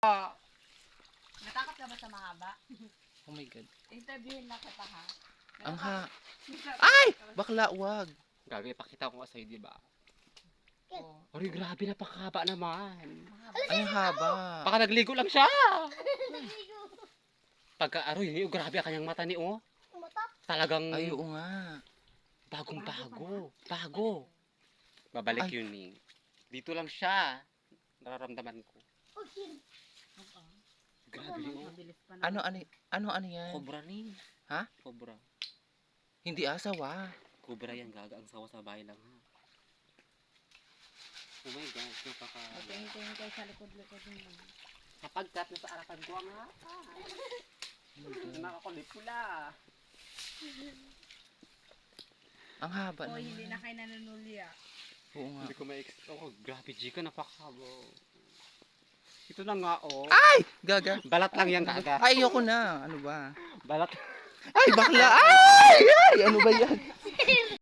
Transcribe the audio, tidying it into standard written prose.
Natakot ka ba sa mahaba? Oh my God. Interviewin na kita ha. Ang Ay! Bakla, wag. Gabi, pakita ko nga sa'yo, di ba? Oh. Ay, grabe, napakahaba naman. Ay, ang haba. Baka nagligo lang siya. Pagka, aroy, grabe ang kanyang mata ni, oh. Talagang Ay, oo nga. bagong-bago. Bago. Babalik Ay. yun, eh. Dito lang siya. Nararamdaman ko. Grabe, oh. Mabilis pa Ano yan? Cobra ni. Ha? Cobra. Hindi asawa. Cobra yan, gaga. Ang sawa sa bahay lang, ha. Oh my gosh, napaka... Tingin kayo sa likod-likod mo. Kapag kat nasa arapan ko ang hapa. Nakakulit pula. Ang haba Oh, naman. hindi na kayo nanunuli ah. Oo nga. Hindi ko oh, grabe, Jika, napakahaba. Ito na nga, oh. Ay! Gaga. Balat lang yan, gaga. Ay, ayoko na. Ano ba? Balat. Ay, bakla! Ay! Ay! Ano ba yan?